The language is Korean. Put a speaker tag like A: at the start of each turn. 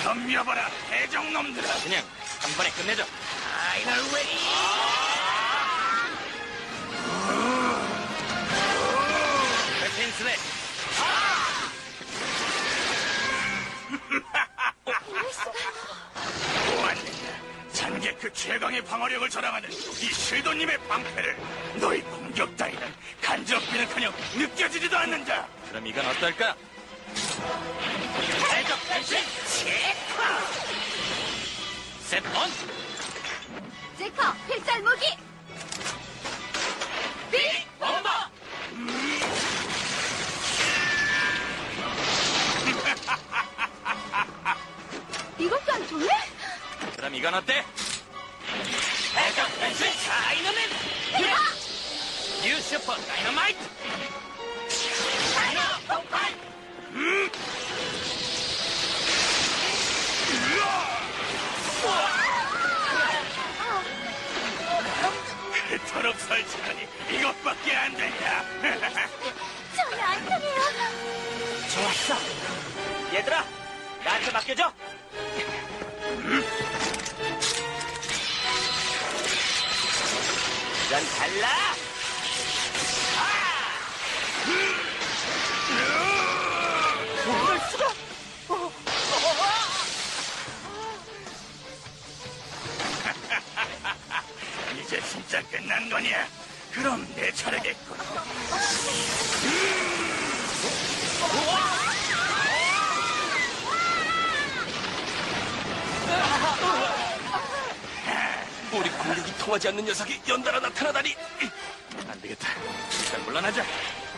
A: 덤벼봐라, 해적놈들아.
B: 그냥 한 번에 끝내죠.
A: 파이널 웨이.
B: 웨핀 슬랩.
A: 보았느냐? 잔계 그 최강의 방어력을 자랑하는 이 실도님의 방패를 너희 공격 따위는 간지럽기는커녕 느껴지지도 않는다.
B: 그럼 이건 어떨까?
A: 해적 변신 체크.
B: 셋 온!
C: 제커 필살 무기 빅
B: bomba!
C: 이것도 안 통해?
B: 그럼 이건 어때?
A: 해적 변신 다이너맨.
B: 뉴 슈퍼 다이너마이트!
A: 다이너 폭발. 그토록 설치하니 이것밖에 안 되냐?
C: 전혀 안 통해요.
B: 좋았어. 얘들아, 나한테 맡겨줘. 넌 달라. 이럴 수가.
A: 이제 진짜 끝난 거냐? 그럼 내 차례겠군.
B: 우리 공격이 통하지 않는 녀석이 연달아 나타나다니. 안 되겠다. 일단 물러나자.